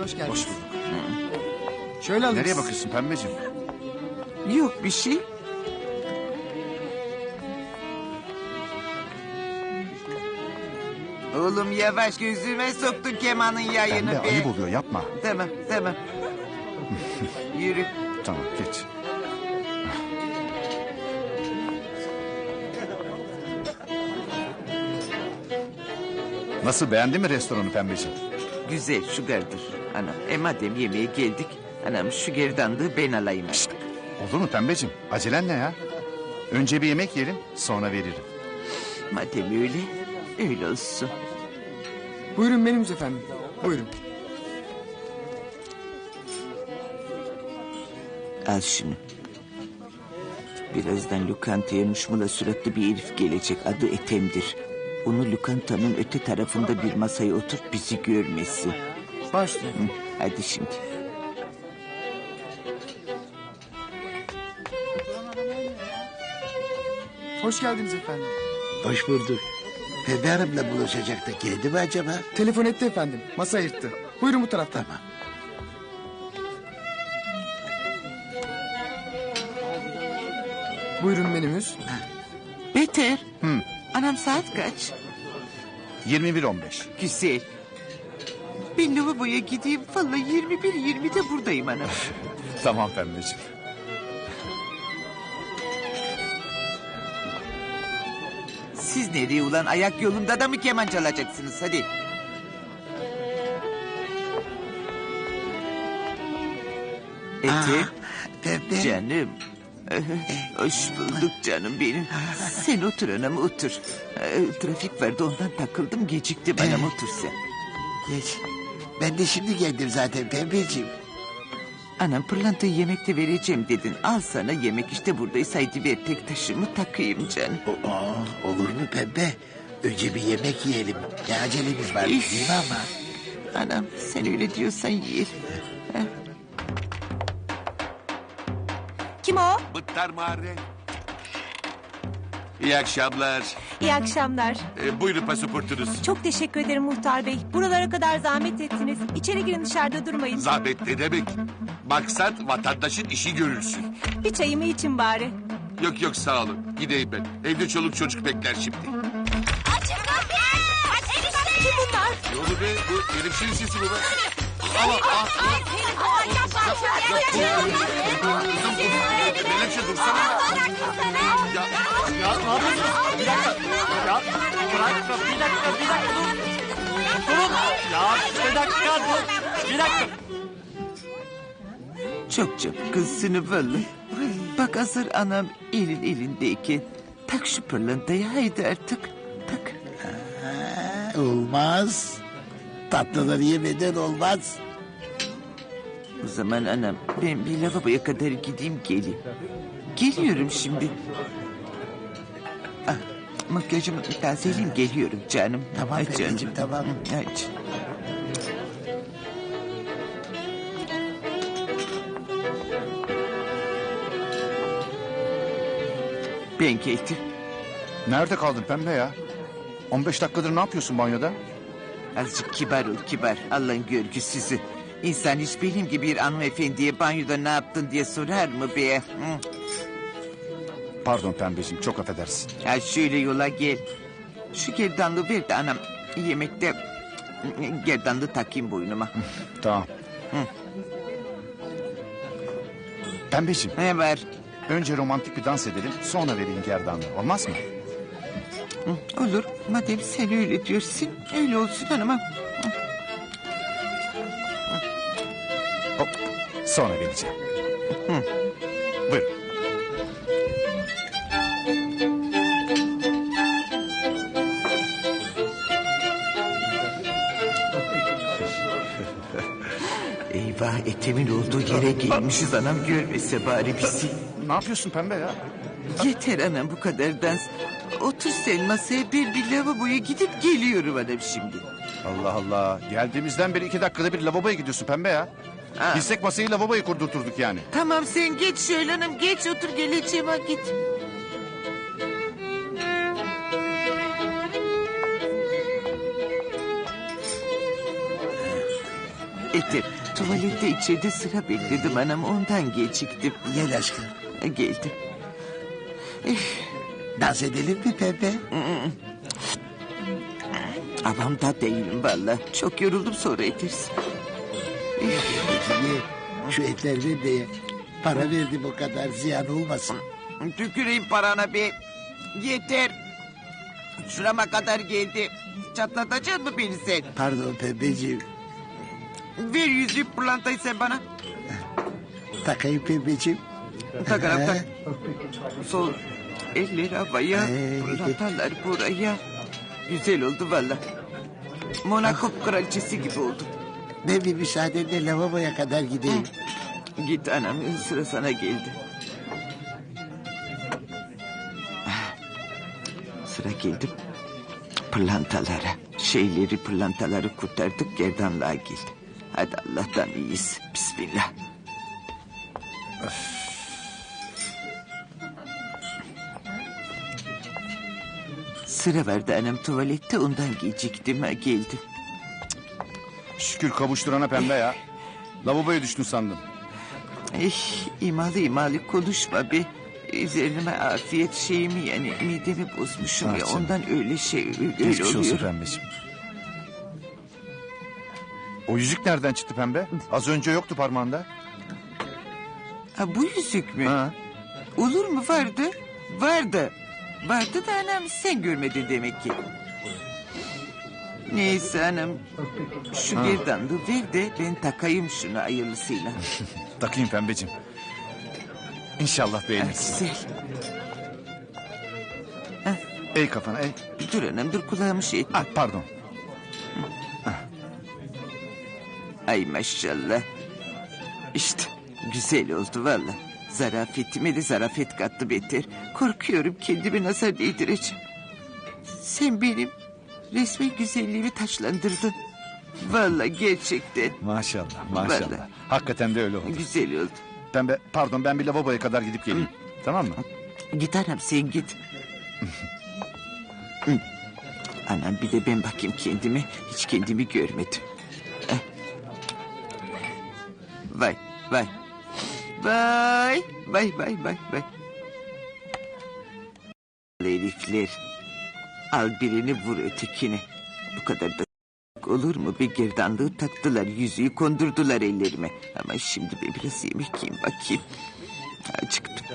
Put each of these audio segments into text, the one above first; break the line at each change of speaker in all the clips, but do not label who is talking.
hoş geldiniz.
Hoş bulduk.
Şöyle alın.
Nereye bakıyorsun pembeciğim?
Yok bir şey. Oğlum yavaş, gözüme soktun kemanın yayını
Pembe
be.
ayıp oluyor, yapma.
Tamam tamam. Yürü.
Tamam, geç. Nasıl, beğendin mi restoranı pembeciğim?
Güzel, şugardır. Anam, madem yemeğe geldik, anam şu gerdanlığı ben alayım artık.
Olur mu pembeciğim? Acelen ne ya? Önce bir yemek yiyelim, sonra veririm.
Madem öyle, öyle olsun.
Buyurun menümüz efendim. Buyurun.
Al şunu. Birazdan lokantaya muşmula suratlı bir herif gelecek. Adı Ethem'dir. Onu lokantanın öte tarafında bir masaya oturt, bizi görmesin.
Başlayın.
Hı, hadi şimdi.
Hoş geldiniz efendim.
Hoş bulduk. Pembe Hanım'la buluşacak da geldi mi acaba?
Telefon etti efendim. Masa ayırttı. Buyurun bu taraftan.
Tamam.
Buyurun menümüz.
Beter. Anam saat kaç?
21.15.
Güzel. Ben lavaboya gideyim. Vallahi 21.20'de buradayım anam.
Tamam pembeciğim.
Siz nereye ulan? Ayak yolunda da mı keman çalacaksınız? Hadi. Ethem.
Pembe.
Canım. Hoş bulduk canım benim. Sen otur anam otur. Trafik vardı ondan takıldım geciktim anam otur sen.
Geç. Ben de şimdi geldim zaten Pembeciğim.
Anam pırlantayı yemekte vereceğim dedin. Al sana yemek işte buradaysa haydi ver tek taşımı takayım canım.
Olur mu Pembe? Önce bir yemek yiyelim. Ne acelemiz var
İş.
değil mi ama?
Anam sen öyle diyorsan yiyelim.
Kim o?
Bıttar Mahalle. İyi akşamlar.
İyi akşamlar.
Buyurun pasaportunuz.
Çok teşekkür ederim muhtar bey. Buralara kadar zahmet ettiniz. İçeri girin dışarıda durmayın.
Zahmet ne demek? Maksat vatandaşın işi görülsün.
Bir çayımı için bari.
Yok yok sağ olun. Gideyim ben. Evde çoluk çocuk bekler şimdi.
Kim bunlar?
Ne oldu be? Bu herifşin sesi bu be. Menekşe dursana. Ya
Ya ne yapıyorsunuz? Bir dakika. Ya bırak bir dakika dur. Durun. Ya bir dakika dur. Bir dakika.
Çok çok kızsını vallahi. Bak hazır anam elindeyken tak şu pırlantayı haydi artık tak.
Olmaz. Tatlıları yemeden olmaz.
O zaman anam ben bir lavaboya kadar gideyim geleyim. Geliyorum şimdi. Ah, makyajımı tazeleyeyim geliyorum canım.
Tamam
Hadi
Pembeciğim,
canım.
tamam.
Hadi. Ben geldim.
Nerede kaldın pembe ya? 15 dakikadır ne yapıyorsun banyoda?
Azıcık kibar ol kibar. Allah'ın görgüsüzü. İnsan hiç benim gibi bir hanımefendiye banyoda ne yaptın diye sorar mı be? Hı?
Pardon pembeciğim, çok affedersin.
Ya şöyle yola gel. Şu gerdanlığı ver de anam yemekte gerdanlığı takayım boynuma.
Tamam. Pembeciğim,
Ne var?
önce romantik bir dans edelim, sonra vereyim gerdanlığı. Olmaz mı?
Olur. Madem sen öyle diyorsun öyle olsun hanımım.
Hop, sonra vereceğim. Buyurun.
Eyvah Ethem'in olduğu yere gelmişiz anam görmese bari bizi.
Ne yapıyorsun pembe ya?
Yeter anam bu kadar dans. Otur sen masaya bir lavaboya gidip geliyorum anam şimdi.
Allah Allah. Geldiğimizden beri 2 dakikada bir lavaboya gidiyorsun pembe ya.
Ha.
Bilsek masayı lavaboya kurdurturduk yani.
Tamam sen geç şöyle hanım geç otur geleceğim ha git. Etim, tuvalette içeride sıra bekledim anam, ondan geciktim.
Gel aşkım.
Geldim.
Dans edelim mi pembe?
Avamda değilim valla. Çok yoruldum, sonra ederiz.
Niye? Şu etler ver de ye. Para verdim o kadar, ziyan olmasın.
Tüküreyim parana be. Yeter. Şurama kadar geldi. Çatlatacaksın mı beni sen?
Pardon pembeciğim.
Ver yüzüğü, pırlantayı sen bana.
Takayım pembeciğim.
Tak anam tak. Sol elleri havaya,
Ee,
pırlantalar buraya. Güzel oldu valla. Monaco kraliçesi gibi oldum.
Ben bir müsaadenle lavaboya kadar gideyim.
Git anam, sıra sana geldi. Sıra geldi pırlantalara. Pırlantaları kurtardık, gerdanlığa geldi. Hadi Allah'tan iyiyiz. Bismillah. Sıra vardı anam tuvalette, ondan geciktim, ha geldim.
Şükür kavuşturana pembe ya. Lavaboya düştün sandım.
İmalı konuşma be. Üzerime afiyet şeyimi, yani midemi bozmuşum ya,
canım.
ondan öyle
Geçmiş olsun
oluyor.
pembeciğim. O yüzük nereden çıktı pembe? Az önce yoktu parmağında.
Ha, bu yüzük mü?
Ha.
Olur mu, vardı? Vardı. Vardı da anam sen görmedin demek ki. Neyse anam. Şu gerdanlığı ver de ben takayım şunu hayırlısıyla.
Takayım pembeciğim. İnşallah
Ha,
beğenirsin.
güzel.
Ey kafana ey.
Bir dur anam, dur kulağımı şey etme.
Ah, pardon.
Ay maşallah. İşte güzel oldu valla. Zarafetime de zarafet kattı beter. Korkuyorum kendimi nazar değdireceğim. Sen benim resmen güzelliğimi taçlandırdın. Valla gerçekten
Maşallah maşallah.
Vallahi.
Hakikaten de öyle oldu.
güzel oldu.
Pembe pardon, ben bir lavaboya kadar gidip geleyim. Tamam mı?
Git anam, sen git. Hı. Anam bir de ben bakayım kendime. Hiç kendimi görmedim. Eh. Vay vay. Vay vay vay vay vay. Herifler. Al birini vur ötekini. Bu kadar da olur mu? Bir gerdanlığı taktılar, yüzüğü kondurdular ellerime. Ama şimdi ben biraz yemek yiyeyim bakayım. Acıktım.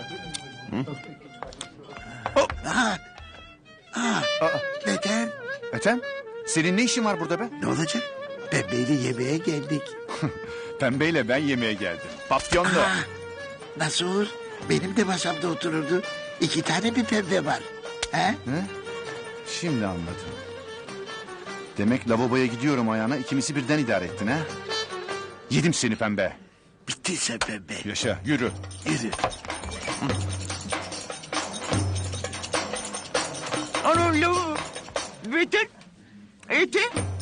Neden?
Ethem, senin ne işin var burada be?
Ne olacak? Pembeyle yemeğe geldik.
Pembeyle ben yemeğe geldim. Papyonlu.
Nasıl olur? Benim de masamda otururdu. 2 tane bir pembe var. He?
Şimdi anladım. Demek lavaboya gidiyorum ayağına, ikimizi birden idare ettin ha? Yedim seni pembe.
Bitti sen pembe.
Yaşa, yürü.
Yürü.
Anam lavu. Beter. Ete.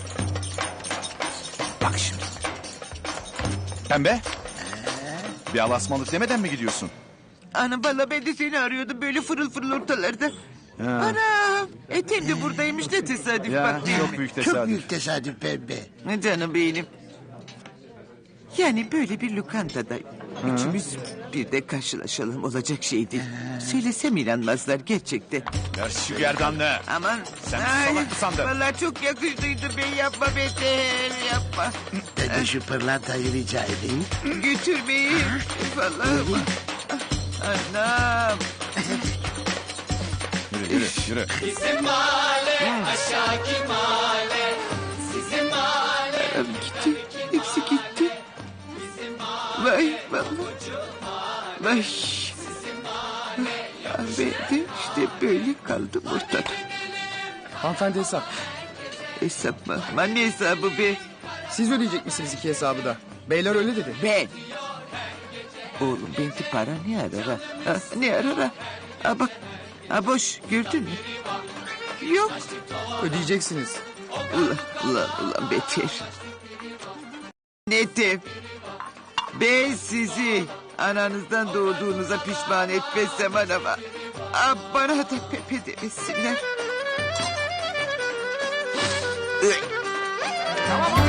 Bak şimdi. Pembe. Bir alasmalık demeden mi gidiyorsun?
Anam valla ben de seni arıyordum böyle fırıl fırıl ortalarda. Anam etem de buradaymış, ne tesadüf
Ya
bak.
çok büyük
Çok
tesadüf.
büyük tesadüf pembe.
Canım benim. Yani böyle bir lokantada üçümüz bir de karşılaşalım, olacak şey değil. Söylesem inanmazlar gerçekten.
Ver şu gerdanlığı.
Aman.
Sen salak mı sandın?
Valla çok yakıştıydı be, yapma Beter, yapma.
Ben de şu pırlantayı rica edeyim.
Götürmeyin. Vallahi. Anam.
Yürü yürü yürü.
Anam gitti. Hepsi gitti. Vay vallahi. Vay. Ben de işte böyle kaldım ortada.
Hanımefendi hesap.
Hesap mı? Aman ne hesabı be?
Siz ödeyecek misiniz 2 hesabı da? Beyler öyle dedi.
Ben. Oğlum belki para ne arar ha? Ha, ne arar ha? Ha bak. Ha boş, gördün mü? Yok.
Ödeyeceksiniz.
Ulan Beter. Netim. Ben sizi ananızdan doğduğunuza pişman etmezsem anama, bana da Pepe demesinler.
Tamam